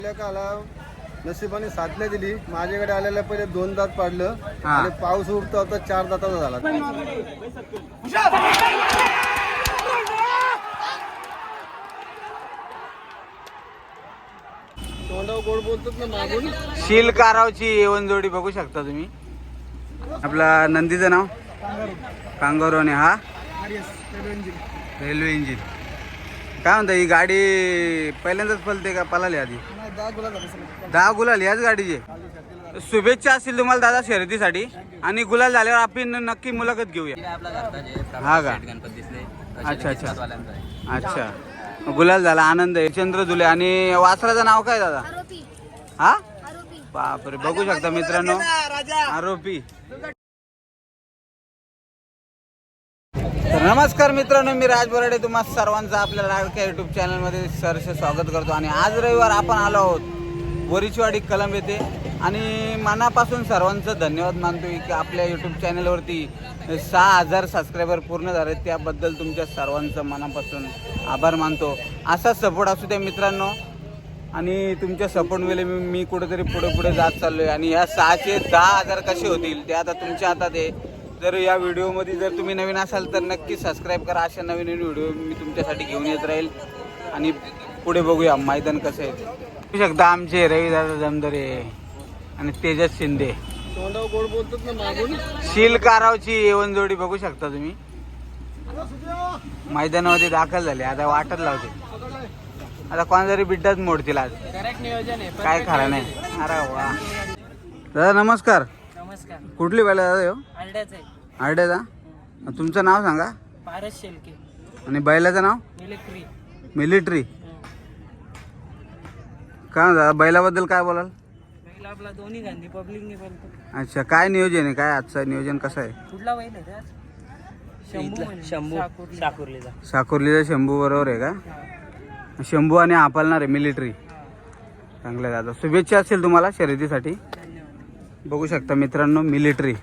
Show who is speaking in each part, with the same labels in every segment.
Speaker 1: काला नशिबाने साथ नाही दिली. माझ्याकडे आलेल्या पहिले 2 दात पाडलं आणि पाऊस उठता होता 4 दाताचा झाला. तोंडावर गोड बोलतात ना मागून.
Speaker 2: शील कारावची येवन जोडी बघू शकता तुम्ही. आपला नंदीचं नाव कांगारू आणि हा रेल्वे इंजिन. काय म्हणता ही गाडी पहिल्यांदाच पळते का पळाली आधी? 10 गुलाल याच गाडीचे. शुभेच्छा असतील तुम्हाला दादा शर्यतीसाठी. आणि गुलाल झाल्यावर आपण नक्की मुलाखत घेऊया. हा का? अच्छा अच्छा अच्छा. गुलाल झाला, आनंद आहे. चंद्र झुले. आणि वासराचं नाव काय दादा? हा बापरे, बघू शकता मित्रांनो आरोपी. तर नमस्कार मित्रांनो, मी राज बोराडे तुम्हा सर्वांचं आपल्या लाडक्या युट्यूब चॅनलमध्ये सहर्ष स्वागत करतो. आणि आज रविवार आपण आलो आहोत बोरीचवाडी कलम येथे. आणि मनापासून सर्वांचं धन्यवाद मानतो की आपल्या यूट्यूब चॅनलवरती 6000 सबस्क्रायबर पूर्ण झाले. त्याबद्दल तुमच्या सर्वांचं मनापासून आभार मानतो. असा सपोर्ट असू द्या मित्रांनो. आणि तुमच्या सपोर्टमुळे मी कुठेतरी पुढे जात चाललो आहे. आणि ह्या 6चे 10,000 कसे होतील ते आता तुमच्या हातात आहे. जर या व्हिडिओमध्ये जर तुम्ही नवीन असाल तर नक्की सबस्क्राईब करा. अशा नवीन व्हिडिओ मी तुमच्यासाठी घेऊन येत राहील. आणि पुढे बघूया मैदान कसं आहे. बघू शकता आमचे रविदादा जमदरे आणि तेजस शिंदे.
Speaker 1: तोंडावर गोड बोलतात ना मागून.
Speaker 2: शील कारावची येवन जोडी बघू शकता तुम्ही. मैदानामध्ये दाखल झाले. आता वाटत लावते. आता कोणातरी बिड्डाच मोडतील आज. काय खरं नाही. अरे वा दादा नमस्कार.
Speaker 3: नमस्कार.
Speaker 2: कुठली बैल दादा हो? आरड्याचा. तुमचं नाव सांगा.
Speaker 3: पारस शेलके.
Speaker 2: आणि बैलाचं नाव? मिलिटरी. काय दादा बैलाबद्दल काय बोलाल?
Speaker 3: बैल आपला दोन्ही गांधी पब्लिकने बोलतो.
Speaker 2: अच्छा, काय नियोजन आहे? काय आजचं नियोजन कसं आहे?
Speaker 3: कुठला बैल आहे त्यात? शंभू. साकुर्लीचा.
Speaker 2: साकुर्लीचा शंभू बरोबर आहे का? शंभू आणि हा पालणार आहे मिलिटरी. चांगलं आहे दादा. शुभेच्छा असतील तुम्हाला शर्यतीसाठी. बघू शकता मित्रांनो मिलिटरी.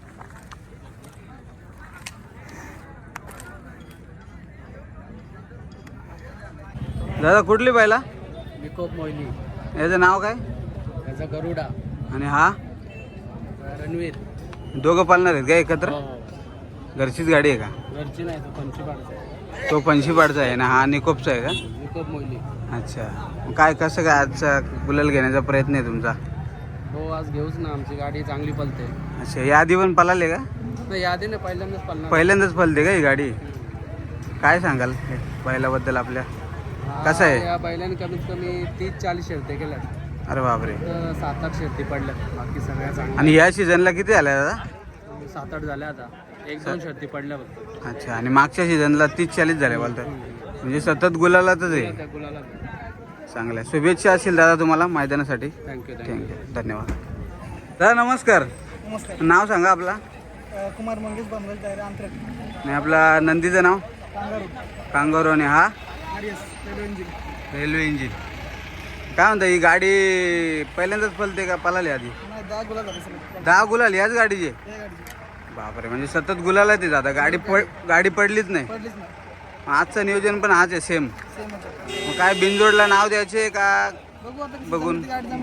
Speaker 2: दादा कुठली बैला?
Speaker 3: निकोप मोहिनी.
Speaker 2: याचं नाव काय?
Speaker 3: त्याचा गरुडा.
Speaker 2: आणि हा
Speaker 3: रणवीर.
Speaker 2: दोघं पालणार आहेत का एकत्र? घरचीच गाडी आहे का?
Speaker 3: घरची नाही, तो पंचीपाडचा.
Speaker 2: तो पंशीपाडचा आहे ना, हा निकोपचा आहे का?
Speaker 3: निकोप मोहिनी.
Speaker 2: अच्छा. काय कसं काय आजचा गुलाल घेण्याचा प्रयत्न आहे तुमचा?
Speaker 3: हो, आज घेऊच ना, आमची गाडी चांगली पलते.
Speaker 2: अच्छा, या आधी पण पळाले का?
Speaker 3: नाही, यादी नाही, पहिल्यांदाच पलणार.
Speaker 2: पहिल्यांदाच पळते का ही गाडी? काय सांगाल बैलाबद्दल आपल्या? कसं आहे?
Speaker 3: या बैलाने कमीत कमी 30-40 शर्ती केल्या.
Speaker 2: अरे बापरे.
Speaker 3: 7-8 शर्ती पडल्या. बाकी सगळ्या चांगल्या.
Speaker 2: आणि या सीझनला किती झाल्या दादा?
Speaker 3: 7-8 झाल्या. आता 1-2 शर्ती पडल्या फक्त.
Speaker 2: अच्छा. आणि मागच्या सीझनला 30-40 झाल्या बोलतात. म्हणजे सतत गुलालातच आहे.
Speaker 3: त्या गुलाला.
Speaker 2: चांगलं आहे. शुभेच्छा असतील दादा तुम्हाला मैदानासाठी.
Speaker 3: थँक्यू.
Speaker 2: धन्यवाद. दादा नमस्कार.
Speaker 3: नमस्कार.
Speaker 2: नाव सांगा आपला.
Speaker 3: कुमार मंगेश बांबल तयार अंतरक.
Speaker 2: आणि आपला नंदीचं नाव? कांगारू. आणि हा रेल्वे इंजिन. काय म्हणता ही गाडी पहिल्यांदाच पळते का पळाली आधी? 10 गुलाल याच गाडीचे. बापरे, म्हणजे सतत गुलाल आहे ते दादा. गाडी पडलीच नाही. आजचं नियोजन पण हाच आहे सेम. मग काय बिनजोडला नाव द्यायचे का बघून?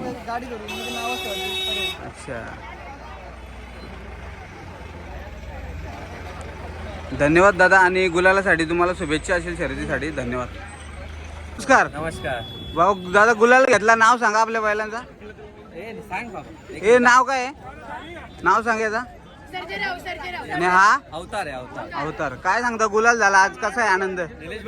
Speaker 2: अच्छा. धन्यवाद दादा. आणि गुलालासाठी तुम्हाला शुभेच्छा असेल शर्यतीसाठी. धन्यवाद. नमस्कार.
Speaker 3: नमस्कार.
Speaker 2: भाऊ दादा गुलाल घेतला, नाव सांगा आपल्या बैलांचा. हे नाव काय आहे? नाव सांगायचा. आणि हा
Speaker 3: अवतार आहे.
Speaker 2: अवतार. काय सांगता गुलाल झाला आज, कसा आहे आनंद?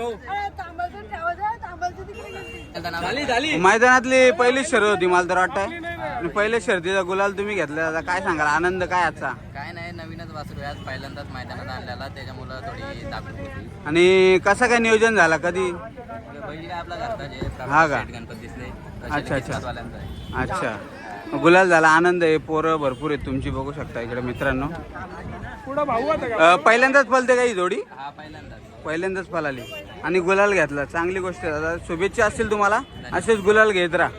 Speaker 2: मैदानातली पहिली शर्यत होती मला तर वाटतंय. आणि पहिल्या शर्यतीचा गुलाल तुम्ही घेतला दादा. काय सांगाल आनंद काय आजचा?
Speaker 3: काय नाही, नवीनच वासरू आज पहिल्यांदाच मैदानात आणलेला, त्याच्यामुळे थोडी दाखवली होती.
Speaker 2: आणि कसं काय नियोजन झाला कधी?
Speaker 3: बैल आपला घरचा
Speaker 2: हा का?
Speaker 3: गणपत दिसले.
Speaker 2: अच्छा अच्छा अच्छा. गुलाल झाला, आनंद आहे. पोरं भरपूर आहेत तुमची बघू शकता इकडे मित्रांनो. पहिल्यांदाच पळते का ही जोडी?
Speaker 3: हा,
Speaker 2: पहिल्यांदाच पळाली आणि गुलाल घेतला. चांगली गोष्ट आहे दादा. शुभेच्छा असतील तुम्हाला. असेच गुलाल घेत राहा.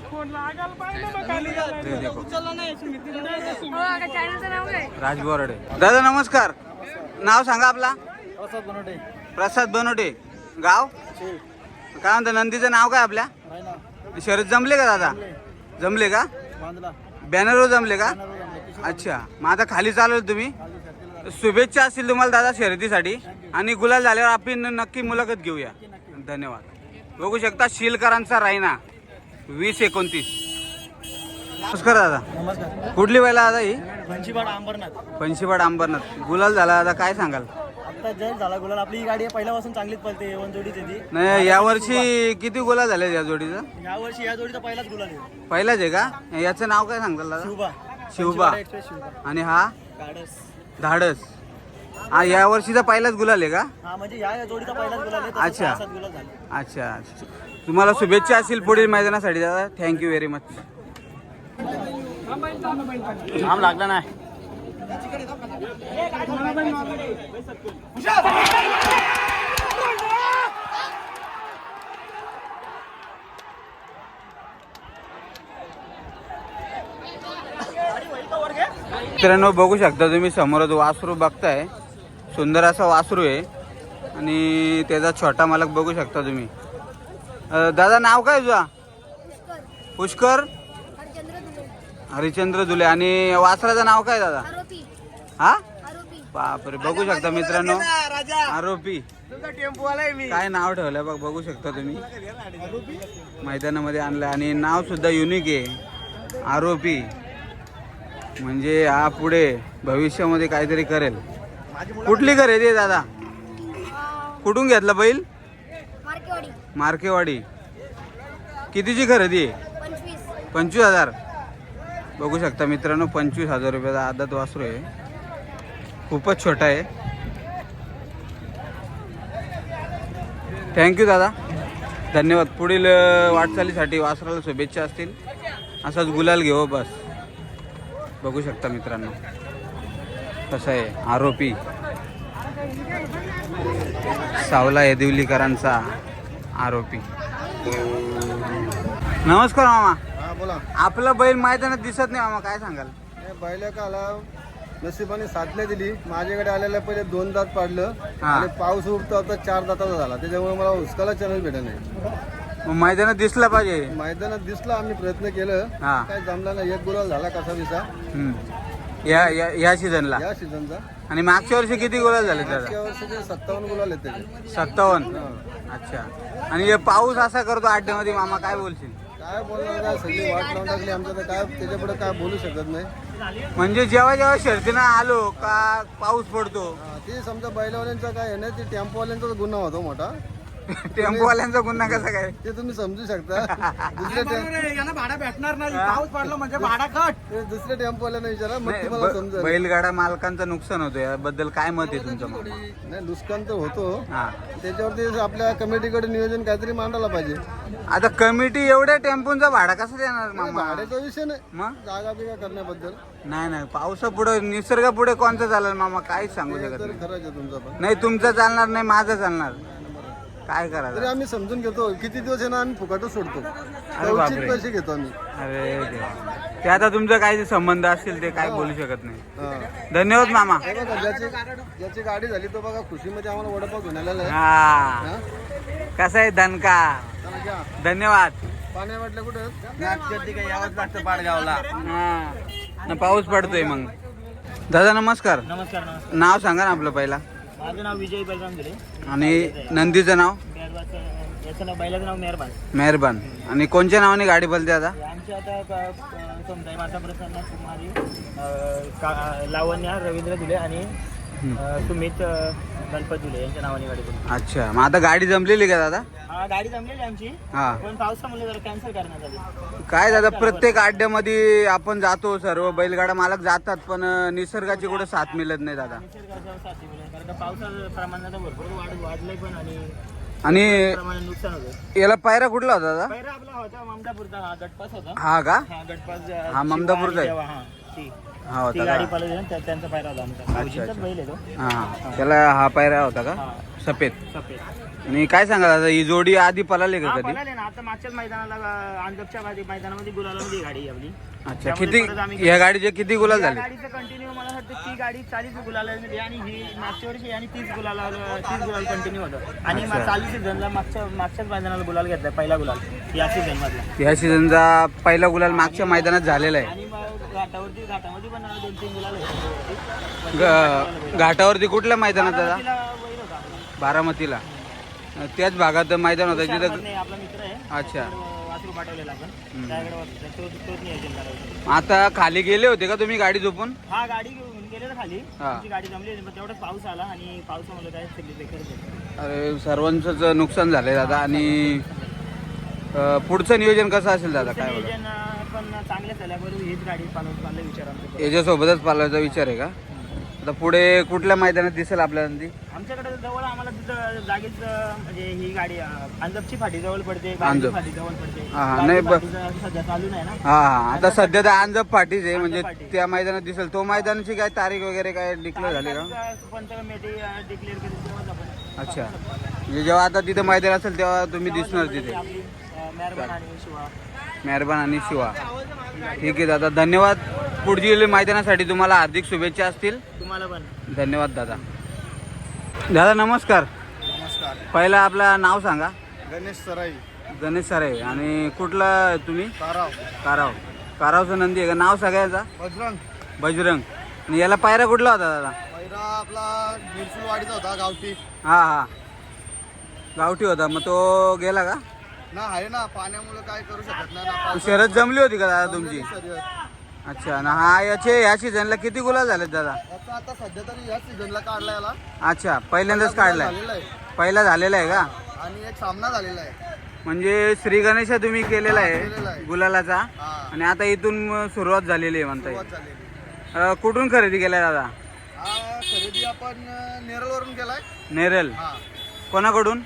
Speaker 2: राज बोराडे. दादा नमस्कार. नाव सांगा आपला. प्रसाद बनोटे. गाव काय म्हणता? नंदीचं नाव काय आपल्या? शर्यत जमले का दादा? जमले का?
Speaker 1: बांधला
Speaker 2: बॅनरवर जमले का? अच्छा, मग आता खाली चालवलं तुम्ही. शुभेच्छा असतील तुम्हाला दादा शर्यतीसाठी आणि गुलाल झाल्यावर आपण नक्की मुलाखत घेऊया. धन्यवाद. बघू शकता शिलकरांचा रायना 2029. नमस्कार दादा.
Speaker 1: नमस्कार.
Speaker 2: कुठली बैला दादा ही?
Speaker 1: पंचीवाड अंबरनाथ.
Speaker 2: पंचीवाड अंबरनाथ. गुलाल झाला दादा, काय सांगाल?
Speaker 1: आता जस्ट झाला गुलाल. आपली ही गाडी आहे पहिल्यापासून चांगलीच पळते. वन जोडीची ती.
Speaker 2: नाही, यावर्षी किती गुलाल झाले या जोडीचं?
Speaker 1: यावर्षी या जोडीचा पहिलाच गुलाल आहे.
Speaker 2: पहिलाच आहे का? याचं नाव काय सांगताल दादा?
Speaker 1: शिवबा.
Speaker 2: शिवबा.
Speaker 1: शिवबा.
Speaker 2: आणि हा
Speaker 1: गाडस.
Speaker 2: धाडस. हा या वर्षीचा पहिलाच गुलाल आहे का?
Speaker 1: हा म्हणजे या जोडीचा पहिलाच गुलाल आहे.
Speaker 2: अच्छा.
Speaker 1: 6-7 गुलाल झाले.
Speaker 2: अच्छा, तुम्हाला शुभेच्छा असतील पुढील मैदानासाठी दादा. Thank you very much.
Speaker 1: आम लागला नाही.
Speaker 2: मित्रांनो बघू शकता तुम्ही समोरच वासरू बघताय. सुंदर असा वासरू आहे आणि त्याचा छोटा मालक बघू शकता तुम्ही. दादा नाव काय तुझा? पुष्कर हरिचंद्र दुले. आणि वासराचं नाव काय दादा? हा, बापरे. बघू शकता मित्रांनो, आरोपी. काय नाव ठेवलंय बघ, बघू शकता तुम्ही. मैदानामध्ये आणलं आणि नाव सुद्धा युनिक आहे, आरोपी. म्हणजे हा पुढे भविष्यामध्ये काहीतरी करेल. कुठली खरेदी आहे दादा? कुठून घेतला बैल? मार्केवाडी. कितीची खरेदी आहे? 25,000. बघू शकता मित्रांनो, 25,000 रुपयाचा आदत वासरू आहे. खूपच छोटा आहे. थँक्यू दादा, धन्यवाद. पुढील वाटचालीसाठी वासराला शुभेच्छा असतील. असाच गुलाल घेऊ बस. बघू शकता मित्रांनो कसं आहे आरोपी. सावला येदिवलीकरांचा आरोपी. नमस्कार मामा.
Speaker 1: हा बोला.
Speaker 2: आपला बैल मैदानात दिसत नाही मामा, काय सांगाल?
Speaker 1: बैल का आला नशिबाने साथल्या दिली. माझ्याकडे आलेल्या पहिले 2 दात पाडलं
Speaker 2: हा.
Speaker 1: आणि पाऊस उठता होता 4 दाताचा झाला. त्याच्यामुळे मला हुसकाला चॅनल भेटत नाही.
Speaker 2: मग मैदानात दिसला पाहिजे.
Speaker 1: मैदानात दिसला, आम्ही प्रयत्न केलं,
Speaker 2: हा.
Speaker 1: काय जमला नाही. 1 गुलाल झाला कसा विसा
Speaker 2: या सीझनला.
Speaker 1: या सीझनचा.
Speaker 2: आणि मागच्या वर्षी किती गुलाल झाले दादा?
Speaker 1: मागच्या वर्षीचे 57 गुलाल आहेत त्याचे.
Speaker 2: 57. अच्छा. आणि हे पाऊस असा करतो अड्ड्यामध्ये मामा, काय बोलशील?
Speaker 1: काय बोलणार, काय सगळी वाट लावून टाकली आमच्या. तर काय त्याच्यापुढे काय बोलू शकत नाही.
Speaker 2: म्हणजे जेव्हा जेव्हा शर्तीनं आलो का पाऊस पडतो.
Speaker 1: हा, ते समजा बैलवाल्यांचा काय आहे ना, ते टेम्पोवाल्यांचा गुन्हा होतो मोठा.
Speaker 2: टेम्पोवाल्यांचा गुन्हा कसा काय?
Speaker 1: ते तुम्ही समजू शकता. दुसऱ्या
Speaker 4: भाडा भेटणार नाही. पाऊस पडला म्हणजे भाडा कट.
Speaker 1: दुसऱ्या टेम्पोवाल्यांना विचारा, मग
Speaker 2: नाही,
Speaker 1: तुम्हाला समजेल.
Speaker 2: बैलगाडा मालकांचं नुकसान होतं, याबद्दल काय मत आहे तुमचं मामा?
Speaker 1: नाही, नुकसान तर होतो.
Speaker 2: हा.
Speaker 1: त्याच्यावरती आपल्या कमिटीकडे नियोजन काहीतरी मांडायला पाहिजे.
Speaker 2: आता कमिटी एवढ्या टेम्पोचा भाडा कसं देणार मामा?
Speaker 1: भाड्याचा विषय नाही,
Speaker 2: मग
Speaker 1: जागा बिगा करण्याबद्दल.
Speaker 2: नाही पावसापुढे निसर्गापुढे कोणतं चालेल मामा, काहीच सांगू शकत
Speaker 1: तर
Speaker 2: नाही.
Speaker 1: खरंच आहे तुमचा पण.
Speaker 2: नाही तुमचं चालणार नाही, माझं चालणार. काय
Speaker 1: तरी
Speaker 2: करायचं?
Speaker 1: आम्ही समजून घेतो. किती दिवस आहे ना, आम्ही फुकटच सोडतो.
Speaker 2: अरे
Speaker 1: उचित
Speaker 2: बापरे.
Speaker 1: पैसे घेतो आम्ही.
Speaker 2: अरे देवा. ते आता तुमचं काही संबंध असतील ते काय बोलू शकत नाही.
Speaker 1: हा.
Speaker 2: धन्यवाद मामा.
Speaker 1: हे बघा, ज्याची गाडी झाली तो बघा खुशीमध्ये आम्हाला वडापाव घेऊन आलेला आहे.
Speaker 2: हा,
Speaker 1: हा?
Speaker 2: कसा आहे दणका.
Speaker 1: चला घ्या.
Speaker 2: धन्यवाद.
Speaker 1: पाण्या वाटलं कुठं?
Speaker 4: यावंच लागतं पाडगावला.
Speaker 2: हा, पाऊस पडतोय मग. दादा नमस्कार.
Speaker 4: नमस्कार.
Speaker 2: नाव सांगा ना आपलं पहिला.
Speaker 4: माझं नाव विजय बलराम गिरे.
Speaker 2: आणि नंदीचं नाव?
Speaker 4: याचं नाव, बैलाचं नाव मेहरबान.
Speaker 2: मेहरबान. आणि कोणत्या नावाने गाडी बोलते आता?
Speaker 4: आमची आता समजा माता प्रसन्न कुमारी, लावण्या रवींद्र दुले आणि सुमित गणपत दुले यांच्या नावाने गाडी बोलतो.
Speaker 2: अच्छा, मग आता गाडी जमलेली का दादा?
Speaker 4: हा, गाडी जमलेली आमची,
Speaker 2: हा.
Speaker 4: पण पावसामुळे जरा कॅन्सल करण्यात आली.
Speaker 2: काय दादा, प्रत्येक अड्ड्यामध्ये आपण जातो, सर्व बैलगाडा मालक जातात, पण निसर्गाची कुठे साथ मिळत नाही दादा.
Speaker 4: निसर्गाच्या साथी मिळेल, कारण का पावसाचं प्रमाण आता भरपूर वाढलंय पण,
Speaker 2: आणि
Speaker 4: प्रमाणे नुकसान होतं.
Speaker 2: याला पायरा कुठला होता दादा?
Speaker 4: पहिला आपला होता ममदापूरचा, हा गटपास होता.
Speaker 2: हा का?
Speaker 4: हा गटपास
Speaker 2: हा, ममदापूरचा आहे.
Speaker 4: हा ती
Speaker 2: हा होता
Speaker 4: गाडी
Speaker 2: का?
Speaker 4: पळवली ना त्यांचा पायरा होता आमचा भाऊजींचाच बैल आहे तो.
Speaker 2: हा त्याला हा पायरा होता का
Speaker 4: हा
Speaker 2: सफेद?
Speaker 4: सफेद.
Speaker 2: आणि काय सांगा दादा ही जोडी आधी पळाली का
Speaker 4: हा,
Speaker 2: कधी?
Speaker 4: पळाले ना आता मागच्याच मैदानाला अंजपच्या मैदानामध्ये गुलालामध्ये गाडी आहे आपली.
Speaker 2: अच्छा
Speaker 4: त्यामध्ये
Speaker 2: किती
Speaker 4: परत आम्ही-
Speaker 2: या गाडीचे किती गुलाल
Speaker 4: या
Speaker 2: झाले?
Speaker 4: गाडीचं कंटिन्यू मला वाटतं ती गाडी 40 गुलाल आणि ही मागच्या वर्षी आणि 30 गुलाल कंटिन्यू होतं आणि
Speaker 2: अच्छा.
Speaker 4: चालू सीझनला मागच्याच मैदानाला गुलाल घेतला पहिला गुलाल या सीझन मधला.
Speaker 2: या सीझनचा पहिला गुलाल मागच्या मैदानात झालेला आहे.
Speaker 4: आणि मग घाटामध्ये पण 2-3 गुलाल होते.
Speaker 2: घाटावरती कुठल्या मैदानात दादा?
Speaker 4: तिला बैल होता आपला.
Speaker 2: बारामतीला त्याच भागात मैदान होतं जिथं.
Speaker 4: नाही, आपला मित्र आहे.
Speaker 2: अच्छा
Speaker 4: वासरू पाठवलेला आपण त्याकडे तोच नियोजन करायचं.
Speaker 2: आता खाली गेले होते का तुम्ही गाडी झोपून?
Speaker 4: हा गाडी घेऊन गेले ना खाली
Speaker 2: हा.
Speaker 4: आमची गाडी जमली होती, पण तेवढाच पाऊस आला आणि पावसामुळे काय सगळी बेकार झाली.
Speaker 2: अरे सर्वांचंच नुकसान झालंय दादा. आणि पुढचं नियोजन कसं असेल दादा काय बघा?
Speaker 4: नियोजन पण चांगलं झाल्याबरोबर हीच गाडी चाललं विचार आमचा.
Speaker 2: याच्यासोबतच पालवायचा विचार आहे का? आता पुढे कुठल्या मैदानात दिसेल आपल्याला ती?
Speaker 4: आमच्याकडे जवळ आम्हाला तिथं जागेच म्हणजे ही गाडी अंजपची फाटी जवळ पडते,
Speaker 2: अंजप.
Speaker 4: बाजूची फाटी जवळ पडते.
Speaker 2: हा, हा,
Speaker 4: बाजू
Speaker 2: नाही,
Speaker 4: फाटीचं सध्या चालू नाही ना.
Speaker 2: हा हा आता सध्या तर अंजप फाटीच आहे म्हणजे
Speaker 4: अंजप फाटी.
Speaker 2: त्या मैदानात दिसेल. तो मैदानाची काय तारीख वगैरे काय डिक्लेअर झाली का?
Speaker 4: पंचमेटी डिक्लेअर केली तेव्हाच आपण.
Speaker 2: अच्छा म्हणजे जेव्हा आता तिथे मैदान असेल तेव्हा तुम्ही दिसणार तिथे.
Speaker 4: आपली मेहरबान आणि शिवा.
Speaker 2: मेहरबान आणि शिवा. ठीक आहे दादा धन्यवाद. पुढील मैदानासाठी तुम्हाला हार्दिक शुभेच्छा असतील.
Speaker 4: तुम्हाला पण
Speaker 2: धन्यवाद दादा. दादा नमस्कार.
Speaker 1: नमस्कार.
Speaker 2: पहिला आपलं नाव सांगा.
Speaker 1: गणेश सराई,
Speaker 2: गणेश सरे. आणि कुठला तुम्ही?
Speaker 1: ताराव,
Speaker 2: काराव. कारावचं नंदी आहे का नाव सगळ्याचा?
Speaker 1: बजरंग.
Speaker 2: बजरंग. आणि याला पायरा कुठला होता दादा?
Speaker 1: पहिला आपला मिरसूलवाडीचा होता गावठी.
Speaker 2: हा हा गावठी होता. मग तो गेला का?
Speaker 1: ना आहे ना, पाण्यामुळे काय करू शकत नाही ना. पावसाळ्यात
Speaker 2: शरद जमली होती का दादा तुमची?
Speaker 1: शर्यत.
Speaker 2: अच्छा ना हा या सीझनला किती गुलाल झालेत दादा?
Speaker 1: याचा आता सध्या तरी या सीझनला काढला याला.
Speaker 2: अच्छा पहिल्यांदाच काढलाय.
Speaker 1: झालेला आहे.
Speaker 2: पहिला झालेला आहे का?
Speaker 1: आणि एक सामना झालेला आहे.
Speaker 2: म्हणजे श्री गणेशा तुम्ही केलेला
Speaker 1: केलेला
Speaker 2: आहे
Speaker 1: आहे.
Speaker 2: गुलालाचा.
Speaker 1: हा,
Speaker 2: आणि आता इथून सुरुवात झालेली आहे म्हणता
Speaker 1: सुरुवात
Speaker 2: येईल.
Speaker 1: झालेली.
Speaker 2: कुठून खरेदी केलाय दादा?
Speaker 1: हा खरेदी आपण नेरळवरून केलाय.
Speaker 2: नेरल.
Speaker 1: हा
Speaker 2: कोणाकडून?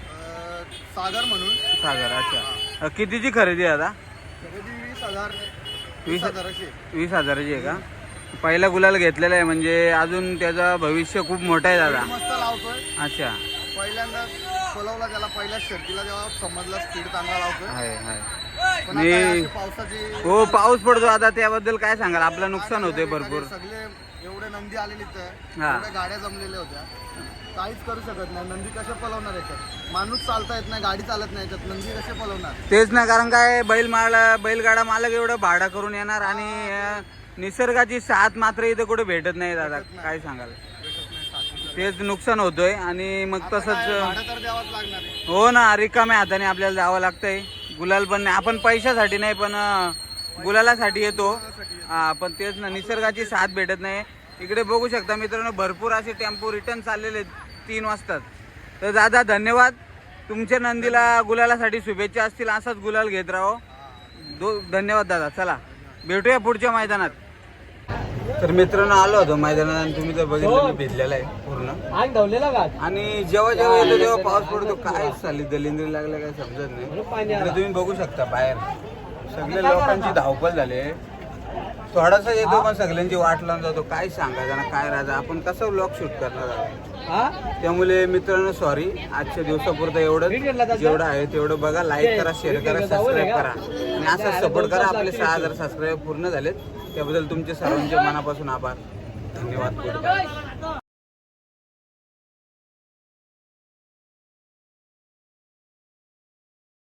Speaker 1: सागर म्हणून.
Speaker 2: सागर. अच्छा कितीची खरेदी आहे दादा?
Speaker 1: खरेदी 20,000.
Speaker 2: 20,000
Speaker 1: 20,000ची.
Speaker 2: 20,000ची आहे का? पहिला गुलाल घेतलेला आहे म्हणजे अजून त्याचं भविष्य खूप मोठं आहे दादा.
Speaker 1: मस्त लावतोय.
Speaker 2: अच्छा
Speaker 1: पहिल्यांदा बोलवला त्याला पहिल्या शर्तीला जेव्हा समजला स्पीड चांगला लावतोय.
Speaker 2: आहे आहे.
Speaker 1: पण आता
Speaker 2: मी
Speaker 1: अशी पावसाची
Speaker 2: हो पाऊस पडतो आता त्याबद्दल काय सांगाल? आपलं नुकसान होतंय भरपूर.
Speaker 1: सगळे एवढे नंदी आलेले
Speaker 2: हा.
Speaker 1: एवढ्या गाड्या जमलेल्या होत्या. काहीच करू शकत नाही. नंदी कसे पलवणार याच्यात? माणूस चालता येत नाही, गाडी चालत नाही याच्यात, नंदी कसे पलवणार?
Speaker 2: तेच ना कारण काय बैलगाडा मालक एवढं भाडा करून येणार आणि निसर्गाची साथ मात्र इथं कुठे भेटत नाही दादा. काय सांगाल? तेच नुकसान होतोय आणि मग
Speaker 1: आता काय,
Speaker 2: तसंच
Speaker 1: भाडं तर द्यावंच लागणार आहे.
Speaker 2: हो ना रिकाम्या हाताने आपल्याला जावं लागतंय. गुलाल पण नाही आपण पैशासाठी नाही पण गुलालासाठी येतो. हा पण तेच ना निसर्गाची साथ भेटत नाही. इकडे बघू शकता मित्रांनो भरपूर असे टेम्पो रिटर्न चाललेले 3 वाजतात. तर दादा धन्यवाद. तुमच्या नंदीला गुलालासाठी शुभेच्छा असतील. असाच गुलाल घेत राहो. धन्यवाद दादा. चला भेटूया पुढच्या मैदानात. तर मित्रांनो आलो होतो मैदानात आणि तुम्ही तर बघितलं मी भिजलेला आहे पूर्ण. आणि जेव्हा जेव्हा येतो तेव्हा पाऊस पडतो. काय चालली दलिंद्री लागल्या काय समजत नाही. इकडे तुम्ही बघू शकता बाहेर सगळे लोकांची धावपळ झाली. थोडासा येतो पण सगळ्यांची वाट लावून जातो. काय सांगायचं ना काय राजा आपण कसं व्लॉग शूट करणार. त्यामुळे मित्रांनो सॉरी आजच्या दिवसापुरतं एवढं जेवढं आहे तेवढं बघा. लाईक करा, शेअर करा, सबस्क्राईब करा आणि असं सपोर्ट करा. आपले 6,000 सबस्क्राईब पूर्ण झालेत त्याबद्दल तुमचे सर्वांचे मनापासून आभार. धन्यवाद.